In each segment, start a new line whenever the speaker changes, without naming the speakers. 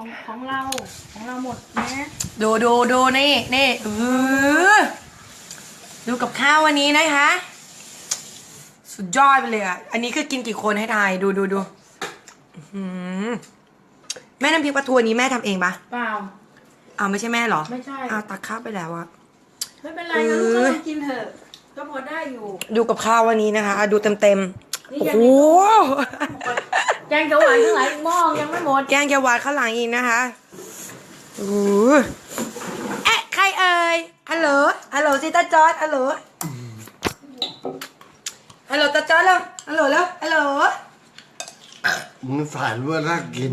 ของเราหมดนะ
ดูนี่ดูกับข้าววันนี้นะคะ สุดยอดไปเลยอ่ะอันนี้คือกินกี่คนให้ทายดูแม่น้ำพริกปลาทูนี้แม่ทำเองปะ
เปล่า
อ้าวไม่ใช่แม่เหรอ
ไม่ใช่
อ้าวตักข้าวไปแล้วอะ
ไม่เป็นไรนะลูกก็ลองกินเถอะก็พอได้อยู่
ดูกับข้าววันนี้นะคะดูเต็ม
นี่
โอ้
ยัง
โห
แกงเขียวหวานข้างหลังอีกหม้อยังไม่หมด
แกงเขียวหวานข้างหลังอีกนะคะโอ้โหเอ๊ะใครเอ่ยฮัลโหลซิตาจอร์ดฮัลโหลตาจอร์ดแล้วฮัลโหล
มึงถ่ายเพื่อน่ากิน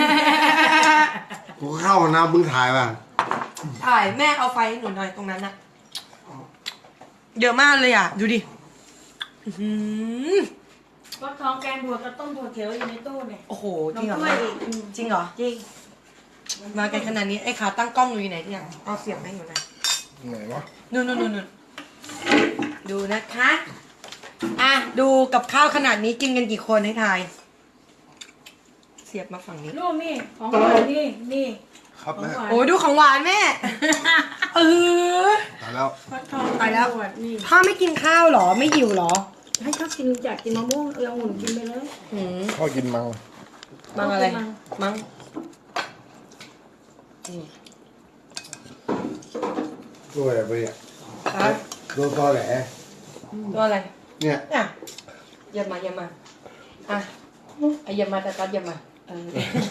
กูเข้ามานะมึงถ่ายป่ะ
ถ่ายแม่เอาไฟให้หนูหน่อยตรงนั้นอะเยอะมากเลยอะดูดิอื้อหือ
ก็ท้องแกงบวกกับต้มถั่วเขียวอยู่ในตู้เนี่ย
โอ้โหจริงเหรอ
น้ำถ้วยอีก
จริงเหรอ
จริง
มากันขนาดนี้ไอ้ขาตั้งกล้องอยู่ไหนเนี่ยเอาเสียบให้หนูหน่อย
ไหนวะ
นู่นดูนะคะอ่ะดูกับข้าวขนาดนี้กินกันกี่คนให้ทายเสียบมาฝั่งนี้
ลูกนี่ของหวานนี่
ครับ
ของ
แม่
หวาน
โอ้ยดูของหวานแม่เออ
ถ่ายแล้ว
ฟักทอง
ตายแล้ว
ขวดนี่
พ่อไม่กินข้าวเหรอไม่หิวเหรอ
ให้เขากินอยากกินมะม่วงเอาหุ่นกินไปเลย
หืม
พ่อกินมัง
มังอะไร
มัง
มัง
ด้วยอะไรไปเนี่ย
ครับ
โดนตอแหล
ตัวอะไร
เนี่ย
อ่ะเยี่ยมมาอ่ะเยี่ยมมาแต่ตัดเยี่ยมมาเออ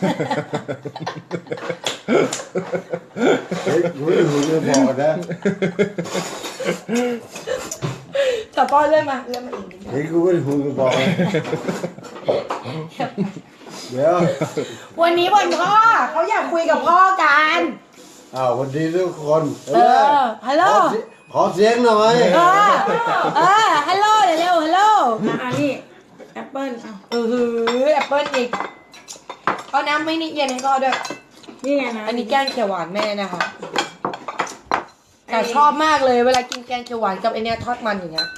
เฮ้ยกูไม่รู้จะบอกนะ
แต่พ่อเลื่อนมาอีกนิดนึง
เฮ้ยกูไม่รู้จะบอกนะเดี๋ยว
วันนี้วันพ่อเขาอยากคุยกับพ่อกัน
อ้าววันดีทุกคน
ฮัลโหล
ขอเสียงหน่อย
ฮัลโหลเร็วฮัลโหล
นี่แอปเปิ้ลเอา
แอปเปิ้ลอีกเอาน้ำไม่นี่เย็นให้พ่อด้วย
นี่ไงนะ
อันนี้แกงเขียวหวานแม่นะคะแต่ชอบมากเลยเวลากินแกงเขียวหวานกับไอเนี้ยทอดมันอย่างเงี้ย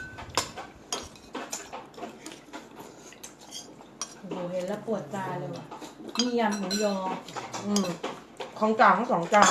โอ้โหเห็นแล้วปวดตาเลยว่ะนี่ยำหมูยอ
ของจานทั้ง2 จาน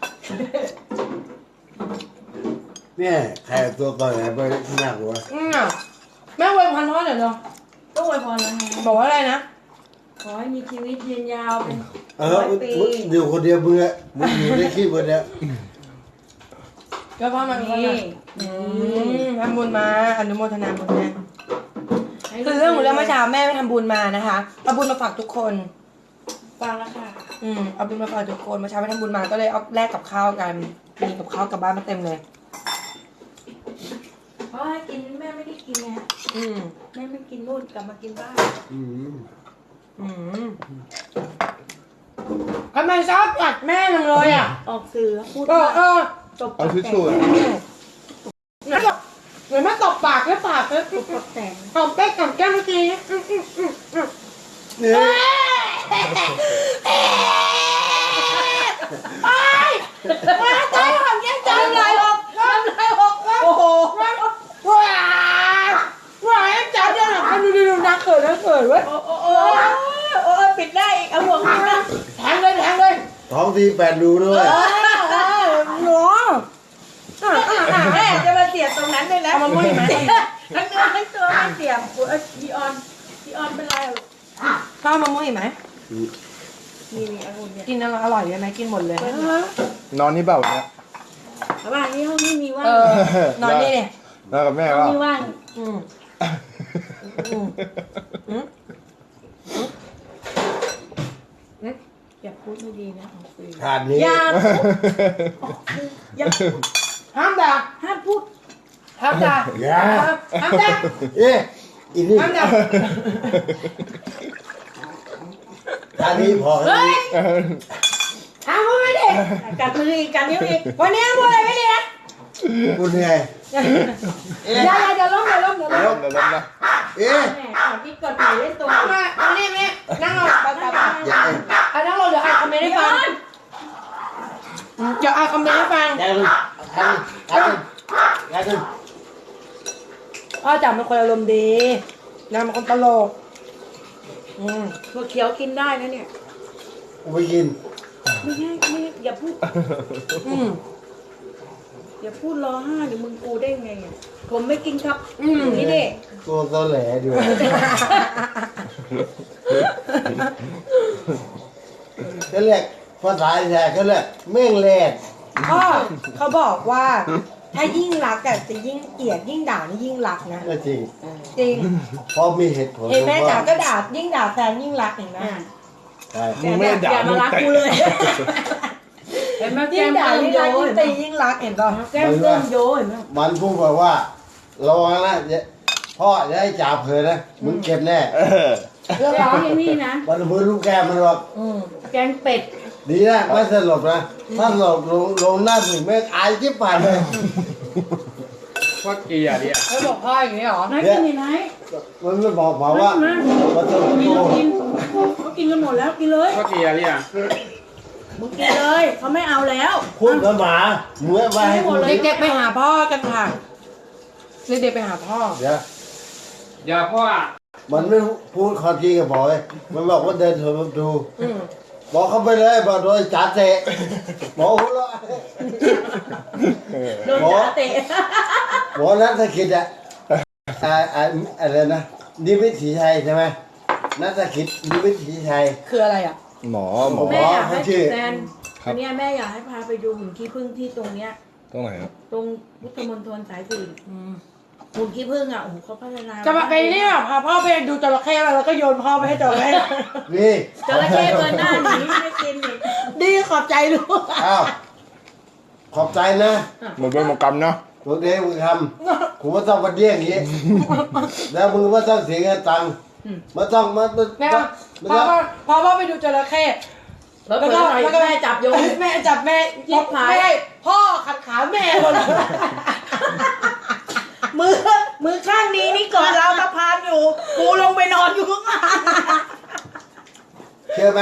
เนี่ยใครตัวตอแหลไปข้างหน้ากูวะ
แม่อวยพรพ่อหน่อยเนาะ
ก็อวยพรแล้วไง
บอกว่าอะไรนะ
ขอให้มีชีวิตยืนยาวเป็น
มึงอยู่คนเดียวมึงอะมึงอยู่ในคลิปคนเดียว
เดี๋ยวพ่อมา
นี่
ทำบุญมาอนุโมทนาบุญแม่คือเรื่องของเรื่องเมื่อเช้าแม่ไปทำบุญมานะคะเอาบุญมาฝากทุกคน
ฟังแล้วค่ะ
เอาบุญมาฝากทุกคนเมื่อเช้าไปทำบุญมาก็เลยเอาแลกกับข้าวกันมีกับข้าวกลับบ้านมาเต็มเลย
เพราะให้กินแม่ไม่ได้กินไง แม่ไม่กินนู่นกลับมากินบ้าน
ทำไมชอบกัดแม่จังเลยอ่ะ
ออกสื่อพูด ตบ
เอาทิชชู่อะ
งั้นบอกเหมือนมาตบปากแล้วปากแล้ว
ตบแต่ง
หอมเป๊กกับแก้มเมื่อกี้
เนี่ย
ตายหอมแก้มจังเลยหกโอ้โหว้าวจับเนี่ยนะดูนักเขินเว้ย
โอ้ปิดได้อีกเอาหัวปิดได้
แทงเลย
ท้องที8รูด้วย
หนู
แม่จะมาเสียบตรงนั้นเลยนะ
เอามามุ้ยไหม
ทั้งเนื้อทั้งตัวไม่เสียบพี่ออนเป็นไร
พ่อมามุ้ยไหม
นี่องุ่นเนี่ย
กินอร่อยเลยไหมกินหมดเลย
นอนนี่เปล่าเนี่ย
ระหว่างนี้ห้องนี้มีว่าง
นอนนี่ดิ
นอนกับแม่
ห้อง
เปล่า
นี้ว่างอย่าพูดไม่ดีนะออกสื่อ
ขาดนี้
อย่าพูด
ห้ามด่า
ห้ามพูด
ห้ามด่า
อย่า
ห้ามด่า
เอ๊ะอีนี่
ห้ามด่า
อันนี้พอแล้วนี่
ห้ามพูดไม่ดี
กัดมืออีกกัดนิ้วอีก
วันนี้ห้ามพูดอะไรไม่ดีนะ
กูเหนื่อย
อย่าล้ม
เดี๋ยวล้มนะ
เอ๊ะ
แม่ก่อนที่กดหมายเล่นตัว
มานี่นั่งลงไป
อย่า
นั่งลงเดี๋ยวอ่านคอมเมนต์ให้ฟังเดี๋ยวอ่านคอมเมนต์ให้ฟัง
อย่าดึงอย่าดึง
พ่อจ๋าเป็นคนอารมณ์ดีนางเป็นคนตลก
ถั่วเขียวกินได้นะเนี่ย
กูไม่กิน
ไม่ใช่ไม่อย่าพูด อย่าพูดรอห้าเดี๋ยวมึงกูได้ไงอะผมไม่กินครับนี่เด็ก
ตัวตอแหลด้วยก็เรียกภาษาแท้ก็เรียกแม่งแรด
พ่อเขาบอกว่า ถ้ายิ่งรักอะจะยิ่งเกลียดยิ่งด่านี่ยิ่งรักนะ
ก็จริง
จริง
เพราะมีเหตุผล
เห็นแม่จ๋าก็ด่ายิ่งด่าแฟนยิ่งรักเห็นไหม
ใช่
มึงไม่ได้ด่า
อย่า
มึ
มาง รัก
แต่
กูเลยเห็นไหมแก้
ยิ่ง
ม
ด่า
เติม
ยิ่ง
โย
รักยิ่ง
เห็นไหม
ตียิ่งรักเห็นป่ะ
แก้มเติมโยเห็นไหม
มันพูดบอกว่าระวังนะพ่ออย่าให้จ่าเผลอนะมึงเก็บแน่
เรื่องร้องอย่างนี้นะ
มันมือลูกแก้มมันบอก
แกงเป็ด
ดีนะไม่สลบนะถ้าสลบลงหน้าถึงแม่งอายจิ๊บผ่านเลย
ว่าเกียร์ดิอ่ะ
เขาบอกพ่ออย่างนี้เหรอ
ไหนกินนี่ไหน
มันไม่บอกมาว่า
มา
มันจะ
กิน
โต
กินเขากินกันหมดแล้วกินเลย
ว่าเกียร์ดิอ่ะ
มึงกินเลยเขาไม่เอาแล้ว
พูดกับหมาเมื่อมาให้กู
เด็กๆไปหาพ่อกันค่ะเด็กๆไปหาพ่อ
เดี๋ยว
อย่าพ่อ
มันไม่พูดความจริงกับบอกเลยมันบอกว่าเดินเถอะมาดูบอกเขาไปเลยบอกโดยจ่าเตะบอกหัวเราะ
โดนจ่าเตะ
บอกนัทธกิจอะอะไรนะนิวิถีชัยใช่ไหมนัทธกิจนิวิถีชัย
คืออะไรอ่ะ
หมอ
แม่อยากให้
ชื่อ
แซนอันเนี้ยแม่อยากให้พาไปดูหุ่นขี้ผึ้งที่ตรงเนี้ย
ตรงไหนครับ
ตรงพุทธมณฑลสายสี่หุ่นขี้ผึ้งอ่ะโอ้โหเขาพัฒนา
จะมาไปเนี่ยพาพ่อไปดูจระเข้มาแล้วก็โยนพ่อไปให้จระเข้
นี่
จระเข้เกินหน้าหนีไม่กินอีก
ดีขอบใจลูก
อ้าวขอบใจนะ
เหมือนเป็นมกรรมเนาะ
พวกเด็กมึงทำกูไม่ต้องมาเดี้ยงอย่างนี้แล้วมึงไม่ต้องเสียเงินตังค์ไม่ต้องมา
แม่
ไม่
พา
ต้อง
พ่อไปดูจระเข้
แล้วก็แม่จับโยน
แม่จับแม่
ยิบหาย
ไม่ได้พ่อขัดขาแม่หมดเลย
มือข้างนี้นี่กอดเราตะพานอยู่กูลงไปนอนอยู่ข้างล่าง
เชื่อไหม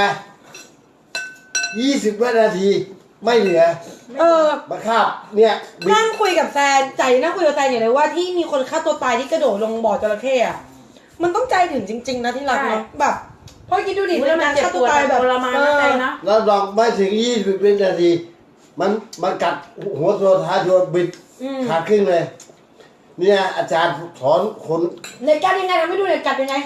20 วินาทีไม่เหลือ มาคาบเนี่ยบิด
นั่งคุยกับแซนใจนั่งคุยกับแซนอย่างเลยว่าที่มีคนฆ่าตัวตายที่กระโดดลงบ่อจระเข้อะมันต้องใจถึงจริง ๆ นะที่รักเนาะแบบพ่อคิดดูดิ
แล้วมัน
การ
เจ็บ
ฆ่า
ป
ตัว
วด
ตายแบบ
ทรมานนะใจนะ
แล้วลองไม่ถึง20 วินาที มันกัดหัวตัวท้ายตัวบิดขาดครึ่งเลย เนี่ยอาจารย์สอนคน
ในกัดยังไงทำให้ดูในกัดยังไง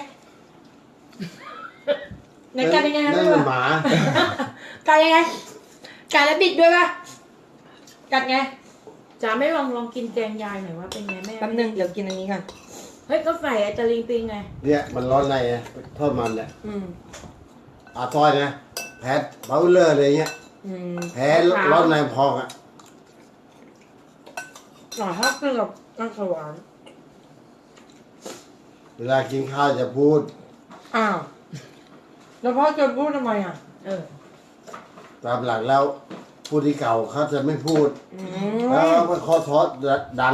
ในกัดยังไงทำ
นั่
ให้
น
ดู
มันหมา
กัดยังไงกัดแล้วบิดด้วยป่ะกัดไง
จ๋าไม่ลองกินแกงยายหน่อยว่าเป็นไงแม่
แป๊บนึงเดี๋ยวกินอันนี้ก่อน
เฮ้ยก็ใส่ไอ้ตะลิงปิงไง
เนี่ยมันร้อนในนะทอดมันแหละ
อืม
อาทอยนะแพ้เบาเลอร์อะไรเงี้ย
อืม
แพ้ร้อนในพองอ่ะ
หน่อยถ้ากินกับน้ำสวรรค์
เวลากินข้าวจะพูด
อ้าวแล้วพ่อจะพูดทำไมอ่ะ
ตามหลักแล้วผู้ที่เก่าเขาจะไม่พูด
อื
แล้ว
ม
มันคอทอดดัง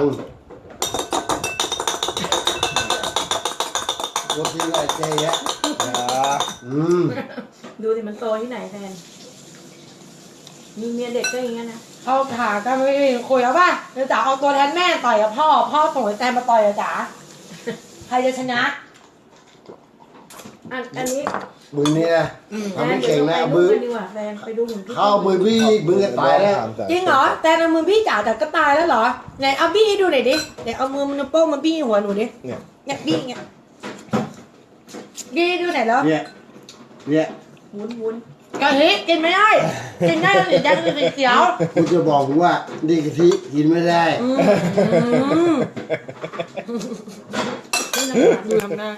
รถที่ไรเจ๊ยะ
อย่า
ดูสิมันโตที่ไหนแทนมีเมียเด็กก็อย่างเงี้ยนะ
เอาขากันไม่ได้คุยแล้วป่ะเดี๋ยวจ๋าเอาตัวแทนแม่ต่อยกับพ่อส่งไอ้แซมมาต่อยกับจ๋าใครจะชนะ
อันนี้
มึงนี่นะทำไม่เก่งนะ
แฟ
มือ
ไปดูกันดีกว่าแฟนไปดูหุ่นขี้ผึ้ง
เข้ามือพี่มือก็ตายแล้ว
จริงเหรอแต่ในมือพี่จ๋าแต่ก็ตายแล้วเหรอไหนเอาบี้ให้ดูหน่อยดิไหนเอามือมันวโป้งมาบี้หัวหนูดิ
เนี่ย
เนี่ยบี้เงี้ยบี้ดูไหนอยแล้ว
เนี่ย
วุ้น
กะทิกินไม่ได้กินได้แต่สีแดงหรือสีเขียว
กูจะบอกมึงว่าดีกะทิกินไม่ได้
ดูทำหน้า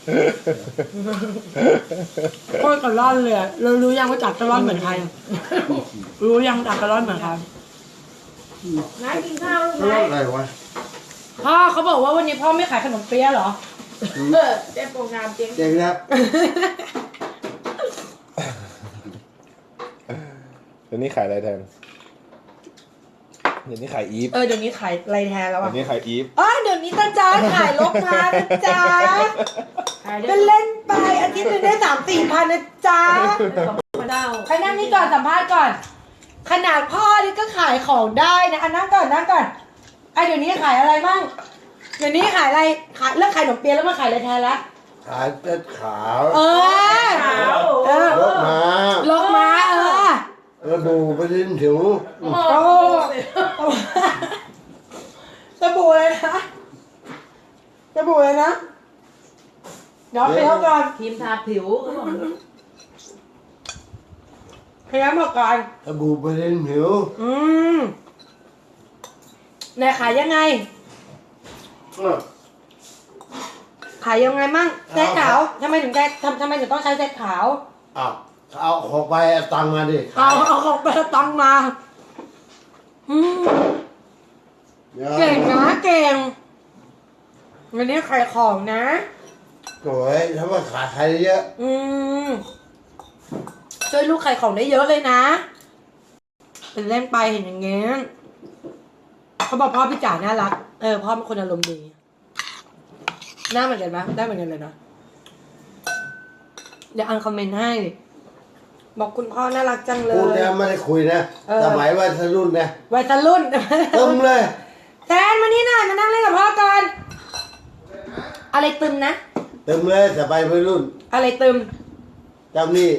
โคตรกระล่อนเลยอะเรารู้ยังว่าจัดกระล่อนเหมือนใครรู้ยังจัดกระล่อนเหมือนใคร
นายกินข้าวลูก
ไม่
นาย
อะไรวะ
พ่อเขาบอกว่าวันนี้พ่อไม่ขายขนมเปี๊ยะเหรอ
เจ๊โปรงงามเจ๊ง
เจ๊งครับ
เดี๋ยวนี้ขายอะไรแทนเดี๋ยวนี้ขายอีฟ
เดี๋ยวนี้ขายอะไรแทนแล้ว
เดี๋
อ่ะ
ยวนี้ขายอีฟ
เดี๋ยวนี้ตาจ้าขายลกมานะจ๊ะ
ขายได้
เป็นเล่นไปอาทิตย์หนึงได้3-4 พันนะจ๊ะ
มาดาว
ใครนั่งนี่ก่อนสัมภาษณ์ก่อน ขนาดพ่อนี่ก็ขายของได้นะนั่งก่อนเดี๋ยวนี้ขายอะไรบ้างเดี๋ยวนี้ขายอะไรเลิกขายขนมเปี๊ยะแล้วมาขายอะไรแทนละ
ขายเป็ดขาว
เออ
ขาว
เออ
รถมา
ลกมา
ระบูไปเล่นผิว
โอ้
สบู่เลยนะสบู่เลยนะเดี๋ยวไปเท่าก่อน
ครีมทาผิวเขาบอก
พยายามบอกก่อน
ระบูไปเล่นผิว
ไหนขายยังไง ขายยังไงมั่งเซตขาวทำไมถึงต้องใช้เซตขาว
อ้าวเอาของไปเอาตังค์มาดิ
เอาของไปตังมาเก่งนะเก่งวันนี้ขายของนะ
โอ้ยถ้าว่าขายใครเยอะ
ช่วยลูกขายของได้เยอะเลยนะเป็นเล่นไปเห็นอย่างเงี้ยเขาบอกพ่อพี่จ๋าน่ารักพ่อเป็นคนอารมณ์ดีหน้าเหมือนกันปะได้เหมือนกันเลยนะเดี๋ยวอ่านคอมเมนต์ให้บอกคุณพ่อน่ารักจังเล
พูด
ย
เนี่ยไม่ได้คุยนะสมัยวัยรุ่นนะ
วัยรุ่น
ตึมเลย
แทนมานี่หน่อยมานั่งเล่นกับพ่อก่อนอะไรตึมนะ
ตึมเลยสมัยวัยรุ่น
อะไรตึม
จำนี่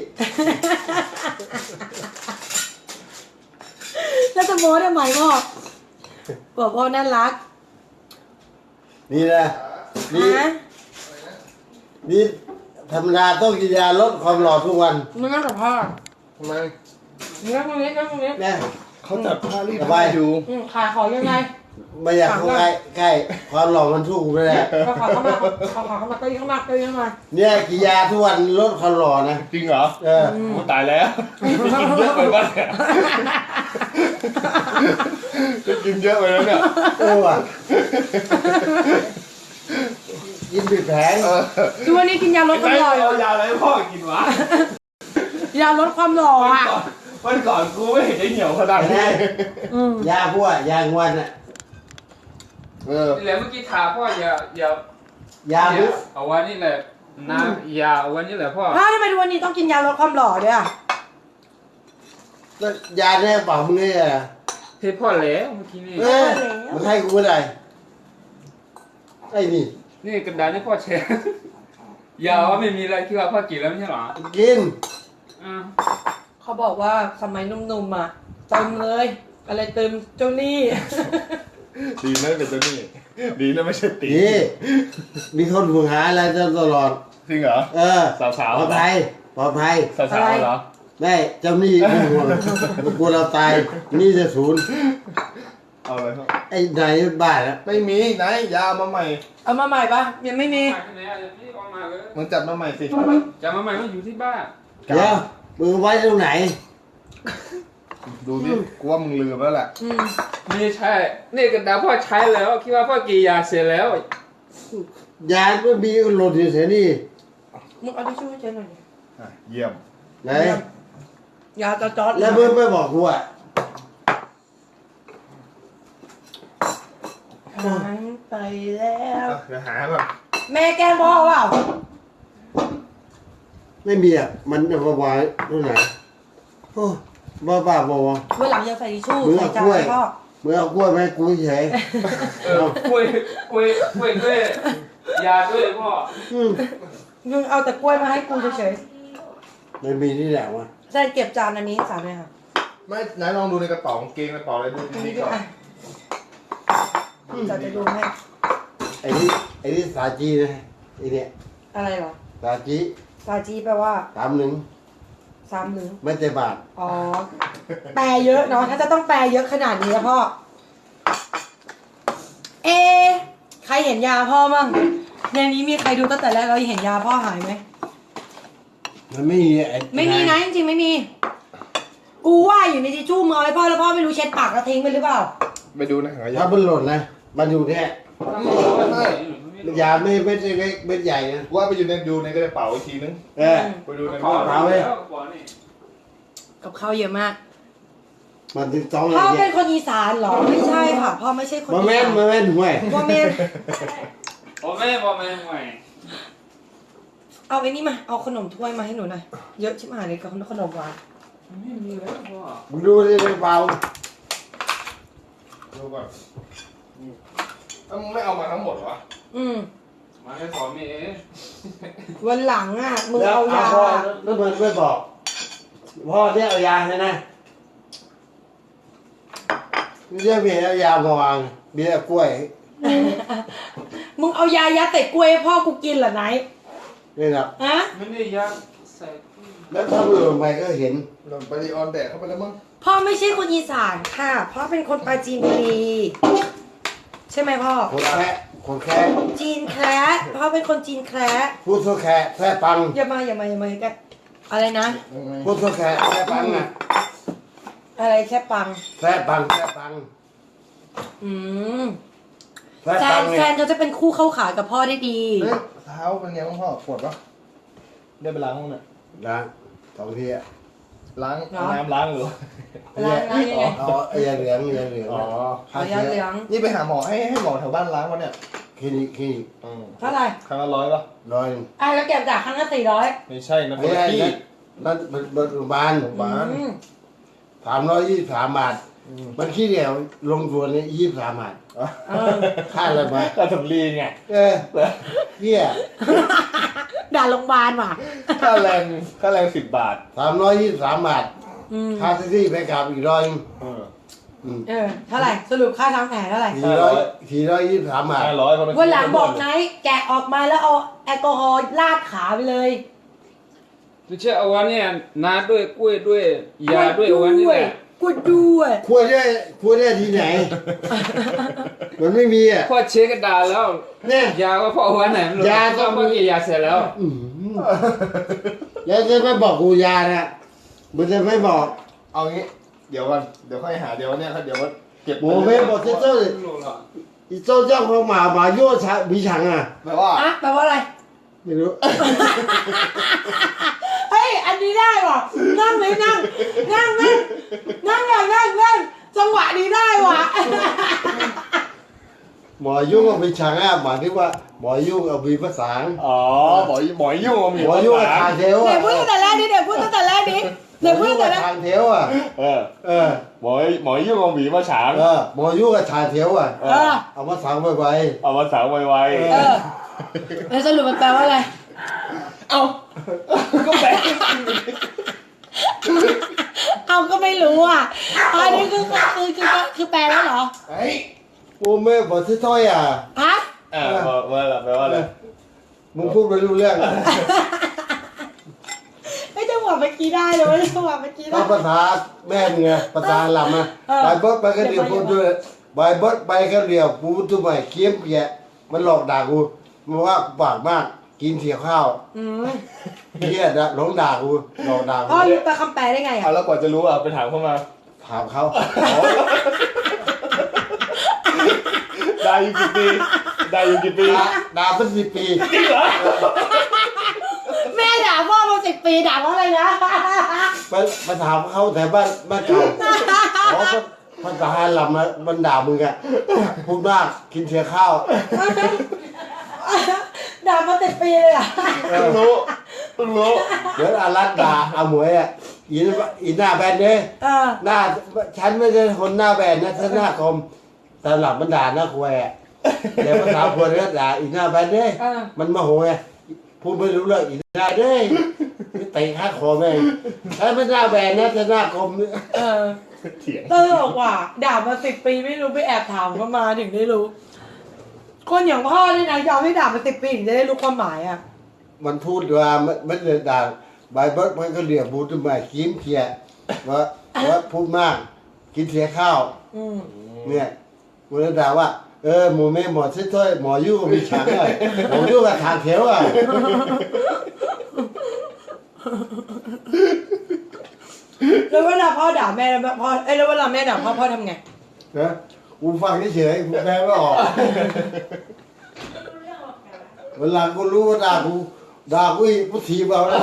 แล้วจะโม้ทำไมพ่อบอกพ่อน่ารัก
นี่นะนี่
ฮะ
นี่ธรรมดาต้องกินยาลดความหล่อทุกวัน
มึงนั่งกับพ่อ
ทำไม
มึงนั่งตรงนี้นั่งตรงนี้
นะ
เขาจัดผ้ารีด
สบาย
อยู่
ขายของยังไง
ไม่อยากเข้าใกล้ความหล่อมันสู้กูไม่ได้
ขอเข้ามาขอเข้ามาเก็ยิ่งเข้ามาเก็ยิ่งเข้ามา
เนี่ยกินยาทุกวันลดความหล่อนะ
จริงเหรอ
เออ
โอ้ตายแล้วจะกินเยอะไปบ้างเนี่ยจะกินเยอะไปแล้วเนี่ย
เออว่ะกินผิดแผง
ดูวันนี้กินยาลดความหล่อ
เอายาอะไรให้พ่อกินวะ
ยาลดความหล่ออ่ะ
วันก่อนกูไม่เห็นได้เหนียวขนาดนี้
ยาพวกยางวันอ่ะ
นี่แหละเมื่อกี้ถามพ่ออย่าย
าพุก
เอาวันนี้แหละนะอย่าเอาวันนี้แหละพ่อ
อ้าวทำไมดูวันนี้ต้องกินยาลดความหล่อด้วยอ่ะ
ยาเนี่ยเปล่ามึงเนี่ย
เฮ้ยพ่อแล้วเมื่อกี้นี่
เออมันให้กูไม่ได้ไอ้นี่
นี่กระดาษนี่พ่อแชร์ อย่าว่าไม่มีอะไรที่ว่าพ่อกินแล้วไม่ใช่หรอ
กิน
อ่า
เขาบอกว่าสมัยหนุ่มๆอ่ะเติมเลย อะไรเติมเจ้าหนี้
ดีนะเป็นตัวนี้ดีนะไม่ใช่ตี
นี่มีคนห่วงหาอะไรตลอด
จริงเหรอ
เออ
สาวๆ
ปลอดภัยปลอดภัย
สาวๆเหรอ
ได้เจ้าหนี้ไม่ห่วงกลัวเราตายหนี้จะศูนย์
เอาอะไรครับ
ไอ้นายบ้าแล้ว
ไม่มีไหนยามาใหม่
เอามาใหม่ปะยังไม่มี
ไปที่ไหนอ่ะนี่เอามาเลย
มันจัดมาใหม่สิ
จะมาใหม่มันอยู่ที่บ้าน
เดี๋ยวมึงไว้ตรงไหน
ดูดิกูว่ามึงลืมแล้วแหละ
ไม่ใช่นี่กระดาษพ่อใช้แล้วคิดว่าพ่อกินยาเสร็จแล้ว
ยาไม่มีหล่นอยู่เสียนี่
มึงเอาทิชชู่ให้เจ๊หน่อยดิ
เยี่ยม
ไหน
ยาจอดๆ
แล้วมึงไม่บอกกูอ่ะ
หายไปแล้ว
เดี๋ยวหาก่อน
แม่แกล้งพ่อเปล่า
ไม่มีอ่ะมันจะมาไว้ตรงไหนโอ้บ้าบอก
เมื่อหลังอย่าใส่ทิชชู่
มึง
ใส่
เอา
จาก น
ล้วย
ให้พ่อ
มึงเอากล้วยไหมาให้กูเฉย
กล้วยด้วยยาด้วยพ่อ
อืม
มึงเอาแต่กล้วยมาให้กูเฉย
ไม่มีนี่แหละวะ
ๆแซนเก็บจานอันนี้ให้สามเลยค่ะ
ไม่ไหนลองดูในกระเป๋ากางเกงกระเป๋าอะไรดู
อัน
ดี
นี้
ๆ
ด้
ก่
ว
อย น
อ่ะจะดูให้
ไอ้นี่สาจีนะไอ้เนี่ย
อะไรเหรอ
สาจี
ซาจีแปลว่า
31
31
ไม่แต่บาท
อ๋อ แปลเยอะเนาะ ถ้าจะต้องแปลเยอะขนาดนี้แล้วพ่อ เอะใครเห็นยาพ่อมั่งในนี้มีใครดูตั้งแต่แรกเราเห็นยาพ่อหายไหม
มันไม่มีไอ้
ไม่มีนะจริงๆไม่มี กูว่าอยู่ในทิชชู่มือไว้พ่อแล้วพ่อไม่รู้เช็ดปากแล้วทิ้งไปหรือเปล่า
ไปดูนะหายา
ถ้ามันหล่นนะมันอยู่เนี่ย
ไม่
ยาไม่เม็ดเล็กเม็ดใหญ่นะ
ว่าไปอยู่ในกระเป๋าอีกทีนึง
เออ
ไปดูใน
พ่อ
บ้าน
เอาไว้แล้วพ่อนี่
กับข้าวเยอะมาก
มันถึง2อะไร
พ่อเป็
เนี่
น
ย
คนอีสานเหรอ ไม่ใช่ค่ะ พ่อไม่ใช่คน
มา
อี
แม่น
สาน
มาแม่นห่วย
พ่อแม่น
พ่อแม่ใหม่
เอาไอ้นี่มา เอาขนมถ้วยมาให้หนูหน่อย เยอะชิบหายเลยกับขนมหวาน
ไม่มีแล้วพ่อ
มึงดูดิในเบา
ดูก่อนมึงไม่เอามาทั้งหมดวะ
มาแค่สอนมีเอง
วันหลังอ่ะ มึง
แล้ว
เอายา
พ่อแล้วมันไม่บอกพ่อเนี่ยเอายาใช่ไหมเรื่องเมียเอายามาวางเบียร์กล้วย
มึงเอายายัดใส่กล้วยให้พ่อกูกินเหรอไหน
นี่นะ
ฮะ
ไม่ได้ย่างใส่
แล้วถ้ามือลงไปก็เห็น
หล่นไปดีออนแดดเข้าไปแล้วมั้ง
พ่อไม่ใช่คนอีสานค่ะพ่อเป็นคนปราจีนบุรีใช่ไหมพ่อ
คนแค่
จีนแคระพ่อเป็นคนจีนแคระ
พูดทั่วแค่แค่ปัง
อย่ามากันอะไรนะ
พูดทั่วแค่แค่ปังอ่ะ
อะไรแค่ปัง
แค่ปังแค่ปัง
อืม
แค่
แฟ
ปั
น
ง
แฟ
เนี่ย
นเขาจะเป็นคู่เข้าขากับพ่อได้ดี
เฮ้ยเท้าเป็นไงบ้างพ่อปวดปะได้ไปล้างห้องเนี่ย
นะสองทีอ่ะ
ล้าง
เหรอ
น้ำล้างหรือ
ล้างยังไง
เอาไอ้ยาเหลืองยาเหลือง
อ๋อ
ฆ่า
เอายา
เชื้
เหลื
อ
อง
นี่ไปหาหมอให้หมอแถวบ้านล้างวะเนี่ย
คลินิก
เท่าไหร่
ครั้งละ100ปะ
ร้อย
แล้วเก็บจากครั้งละ400
ไม่ใช่นะค
ไม่
นละ
ใช่
ที่
นั่นโรงพยาบาล
บ้าน
323 บาท มันขี้เดียวลงตัวนี้23 บาท
เออ
ค่าอะไรมา
ก็สำลีไง
เฮีย
ด่าโรงพยาบาลว่ะ
ค่าแรง10 บาท
323 บาท
อืม
ค่าแท็กซี่ไปกลับอีกร้อย
เท่าไหร่สรุปค่าทำแผลเท่าไหร่
423 บาท
500เพราะมัน
วันหลังบอกไนท์แกะออกมาแล้วเอาแอลกอฮอล์ลาดขาไปเลย
ไม่ใช่เอาวันเนี่ยนาด้วยกล้วยด้วยยาด้วยเอาวันนี่แหละ
กดด้วย
ควรได้ที่ไหน มันไม่มีอ่ะ
พ่อเช็คกระดาษแล้ว
เนี่ย
ยาว่าพ่อเอาวันไหนไม่รู้
ยาต้
ก็
อง
เมื่อกี้ยาเสร็จแล้ว
แล้วจะไม่บอกกูยานะมันจะไม่บอก
เอางี้เดี๋ยวก่อนเดี๋ยวค่อยหาเดี๋ยวเนี่ยเดี๋ยวเก็บ
โมเม่บอกเจ้าเลย
ไม่รู้หรอก
อีเจ้าของหมาโย่ชามีฉังอ่ะ
แปลว่า
อะแปลว่าอะไร
ไม่รู้
เฮ้ย อันนี้ได้ว่ะ นั่งเลยนั่งจังหวะนี้ได้ว่ะ
หมอยุ่งเอามีฉังอ่ะหมายถึงว่าหมอยุ่งเอามีภาษา
อ๋อหมอยุ่ง
หมอยุ่งกับทางเทว
เดี๋
อ่ะ
ยวพูดตั้งแต่แรกดิเดี๋ยวพูดตั้งแต่แรกดิ
หมอยุ่งกับทางเทวอ่ะ
เออ
เออ
หมอยุ่งเอาหมีมาฉาง
หมอยุ่งกับทางเทวอ่ะ
เออ
เอามาสั่งไว้
เอามาสาวไว
เออแล้วสรุปมันแปลว่าอะไร
ๆเอาก็แปล
เอาก็ไม่รู้อ่ะอันนี้คือแปลแล้วเหรอ
ไอ้
โอ้แม่บอกที่ถ้อยอ่ะ
ฮะ
ว่าอะไรแปลว่าอะไร
มึงพูดไม่รู้เรื่อง
ไม่จังหวะเมื่อกี้ได้เลยจังหวะเมื่อกี้ได้
ถ้าภาษาแม่มึงไงภาษาลำอ่ะ
เออ
ใบเบิร์ดไปกันเดียวพูดด้วยใบเบิร์ดไปกันเดียวพูดตัวใหม่เคี้ยมเปียมันหลอกด่ากูมันว่ากูปากมากกินเสียข้าว
อืม
เฮียนะหลงด่ากูหลอกด่ากู
พ่อรู้แปลคำแปลได้ไง
เอา
อ่ะ
แล้วกว่าจะรู้ไปถามเข้ามา
ถามเขา
ได้อยู่กี่ปี
ด่าเป็น10 ปี
จริงเหรอ
แม่ด่าพ่อมา10 ปีด่าว่าอะไรนะ
มาถามเขาแต่บ้านเก่าอ๋อภาษาลำนะมันด่ามึงอะพูดมากกินเสียข้าว
ด่ามา10 ปีเลยอ่ะ
เออ
เพิ่งรู้
เดี๋ยวอารัตด่าอาหมวยอะอีหน้าแบนเนี่ย
เออ
หน้าฉันไม่ใช่คนหน้าแบนนะฉันหน้าคมแต่หลับมันด่าหน้าควายอะเดี๋ยวภาษาควายก็ด่าอีหน้าแบนเนี่ย
เออ
มันโมโหไงพูดไม่รู้เรื่องอีหน้าเด้ยไม่เตะข้าคอแม่งฉันไม่หน้าแบนนะฉันหน้าคม
เออ
เถียง
ตลกว่ะด่ามา10 ปีไม่รู้ไปแอบถามเขามาถึงได้รู้ คนอย่างพ่อนี่นะยอมให้ด่ามา10 ปีถึงจะได้รู้ความหมายอ่ะ
มันพูดว่าไม่ได้ด่าใบเบิร์ดมันก็เรียกพูดทำไมยิ้มเพียว่าพูดมากกินเสียข้าว
อืม
เนี่ยมันจะด่าว่าหมูแม่หมอเช่วยหมอยุ่งกับมีฉังเลยหมอยุ่งกับทางเขียวอ่ะ
แล้วเวลาพ่อด่าแม่แล้วพ่อแล้วเวลาแม่ด่าพ่อทำไง
นะกูฟังเฉยๆกูแปลไม่ออกเวลากูรู้ว่าด่ากูอีกกูถีบเอาแล้ว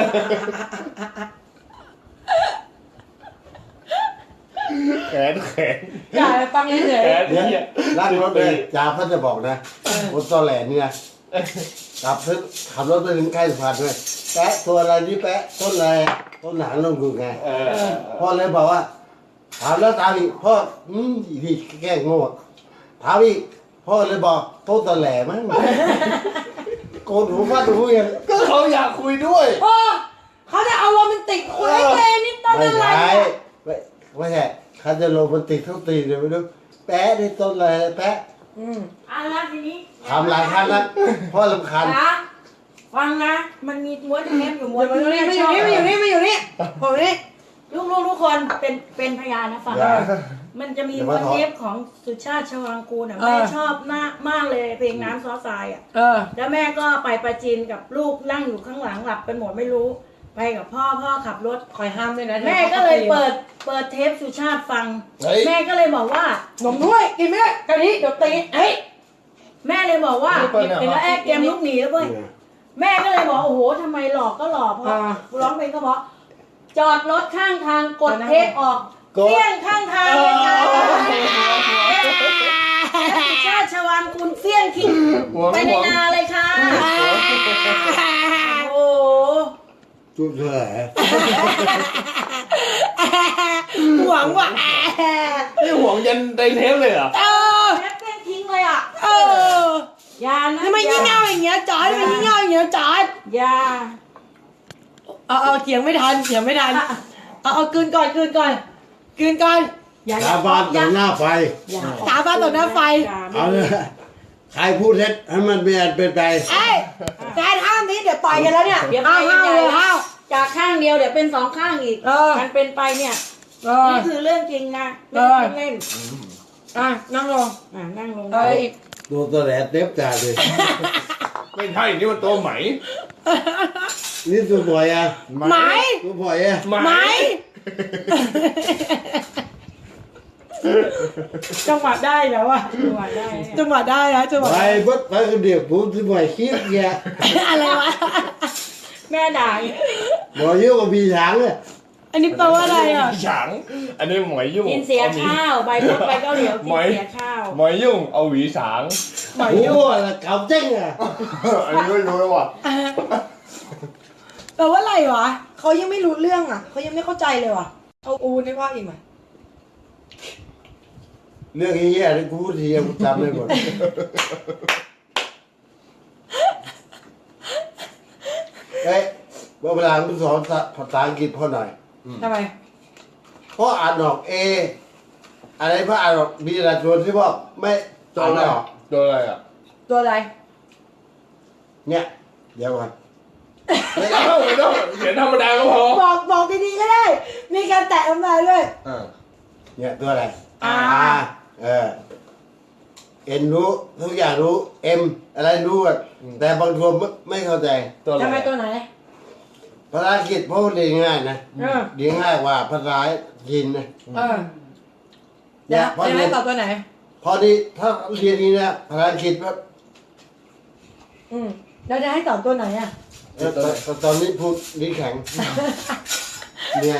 แขน
ด่าไปฟังเฉย
เดี๋ยวรักรถเลยจ่าพันจะบอกนะรถตอแหลเนี่ยขับรถไปถึงใกล้สะพานเลยแปะตัวอะไรนี่แปะต้นอะไรต้นหนางลงกูไงพ่อเลยบอกว่าถามแล้วตามอีกพ่ออีพี่แกล้งโง่ถามอีกพ่อเลยบอกต้นตอแหลมั้งโกนหูฟาดหูยัง
ก็เขาอยากคุยด้วย
ๆพ่อเขาจะเอาโรแมนติกคุยให้เจนิดต้น
ไม่
อะไร
ใช่
เนี่ย
คไม่ใช่เขาจะโรแมนติกเท่าตีเลยไม่รู้แปะในต้นอะไรแปะ
อ่ะแล้วทีนี้
ทำหลายครั้งแล้วเพราะรำคาญ
นะฟังนะ มันมีม้วนเทปอยู่ม้วน
มาอยู่นี่มาอยู่นี่มาอยู่นี่มาอยู่นี่ผมนี่
ลูกทุกคนเป็นพยานนะฟัง
อย่า
มันจะมีม้วนเทปของสุชาติชวางกูลอ่ะแม่ชอบมากเลยเพลงน้ำซอสทรายอ่ะ แล้วแม่ก็ไปประจินกับลูกนั่งอยู่ข้างหลังหลับเป็นหมดไม่รู้ ไปกับพ่อขับรถ
คอยห้ามด้วยนะ
แม่ก็เลยเปิดเทปสุชาติฟัง
เฮ้ย
แม่ก็เลยบอกว่า
นมด้วยกินไม่ได้กะทิเดี๋ยวตีเฮ้ย
แม่เลยบอกว่า
ไม่เปิดเนี่ย
เห็นแล้วแอบเกมลุกหนีแล้วเว้ยแม่ก็เลยบอกโอ้โหทำไมหลอกก็หลอกเพราะร้องเพลงก็เพราะจอดรถข้างทางกดเทปออกเปี้ยงข้างทางเลยค่ะสุชาติชวางคุณเปี้ยงทิ้งไปในนาเลยค่ะโอ้โห
จุดเท่าไหร่
หวังว่ะ
นี่ห่วงยันไดเทปเลยเหรอ
เออ
เทปเปี้ยงทิ้งเลยอ่ะ
เออ
อยานะ
ทำไมยิ่งเง่าอย่างเงี้ยจอดทำไมยิ่งเง่าอย่างเงี้ยจอด
อยา
เอาเถียงไม่ทันเอากลืนก่อน
อย่า
ชาวบ้านต่อหน้าไฟ
สาบานต่อหน้าไฟ
เอาเลยใครพูดเท็จให้มันเป็นไป
เอ้ยแฟนห้ามนี้เดี๋ยวต่อยกันแล้วเนี่ย
เดี๋ยวไป
ห้ามเลยห้าม
จากข้างเดียวเดี๋ยวเป็นสองข้างอีก
เออ
มันเป็นไปเนี่ย นี่คือเรื่องจริงนะไม่ใช่เล่น
อ่ะนั่งลง
นั่งลง
อีก
ตัวตะแหลเต็มจ่าเลย
ไม่ใช่นี่มันตัวไหม
นี่ตัวบ่อยอ่ะ
ไหม
ตัวบ่อยอ่ะ
ไหมจังหวะได้แล้วอ่ะ
ตัวได้
จังหวะได้นะจังหวะ
ไปบดไปคนเดียวผมตัวบ่อยคิดแก
อะไรวะ
แม่ด่า
บ่อยเยอะกว่าพี่ช้างเลย
อันนี้แปลว่าอะไรอ่ะ
ฉางอันนี้หมอยยุ่ง
กินเสียข้าวใบพดใบเกาเหลียวกินเสียข้าว
หมอยยุ่งเอาหวีฉาง
โอ้โหแล้วเก่าเจ้งอ่ะ
อันนี้ไม่รู้แล้วว่ะ
แปลว่าอะไรวะเขายังไม่รู้เรื่องอ่ะเขายังไม่เข้าใจเลยว่ะเอาอูนี่ว่าอีกไหม
เรื่องนี้อ่ะกูพูดทีกูจำได้หมดเอ้ยเวลาคุณสอนภาษาอังกฤษพ่อหน่อย
ทำไม
เพราะอ่านออกเออะไรเพราะอ่านออกมีหลายตัวที่ว่าไม่
ตัว
อ่าน
อะไร
ไม่ออก
ตัวอะไรอ่ะ
ตัวอะไร
เนี่ยเดี๋ยวก่อน
ไม่ต้องเขียนธรรมดาก็พอ
บอกดีๆก็ได้ มีการแตะน้ำลายด้วย
เนี่ยตัวอะไร
อ่า
เอ็นรู้ทุกอย่างรู้เอ็มอะไรรู้อะแต่บางตัวไม่เข้าใจ
ตัวอะไร
ทำไมตัวไหน
ภาษาอังกฤษเพราะเรียนง่ายนะ
เออ
เรียนง่ายกว่าภาษาจีนนะ
เดี๋ยว
พอ
จะ
เรี
ให้
ยน
ตอบตัวไหน
พอดีถ้าเรียนนี้นะภาษาอังกฤษว่า
เราจะให้ตอบตัวไหนอ่ะ
ตอนนี้พูดลิ้นแข็งเนี่ย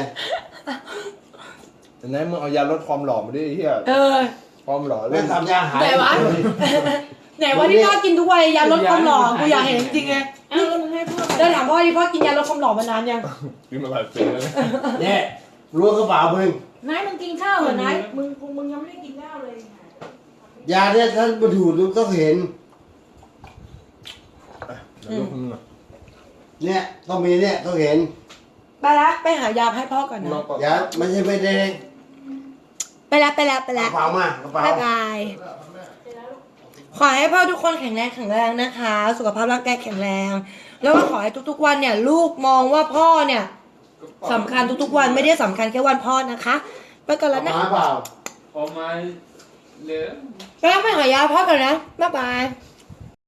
ไหนมึงเอายาลดความหล่อมาดิไอ้เหี้ย
เออ
ความหล่อ
แม่
เล่น
ทำยาหาย
ไหนวะ ไหนว่าที่พ่อกินทุกวันยาลดความหล่อกูอยากเห็นจริงๆไง
อ้าวแล้วมึงให้พ่อ
เดินถามพ่อที่พ่อกินยาลดความหล่อมานานยัง
กินมาหลายปีแล้วนะ
เนี่ยรู้กระเป๋ามึง
นายมึงกินข้าวเหรอนายมึงยังไม่ได้กินข้าวเลย
ยาเนี่ยท่านมาดูต้องเห็น
เดี๋ยวมึงอ่ะ
เนี่ยต้องมีเนี่ยต้องเห็น
ไปละไปหายาให้พ่อก่อนนะ
ลองก่อน
ยาไม่ใช่ไม่แดง
ไปละ
กระเป๋ามากระเป๋า
บ๊ายบายขอให้พ่อทุกคนแข็งแรงนะคะ สุขภาพร่างกายแข็งแรง แล้วก็ขอให้ทุกๆวันเนี่ย ลูกมองว่าพ่อเนี่ยสำคัญทุกๆวันไม่ได้สำคัญแค่วันพ่อนะคะไปก่อนแล้วนะ
มาเปล่า
ออกมาเหลือ
ไปแล้วไปหายาพ่อก่อนนะบ๊ายบาย
เ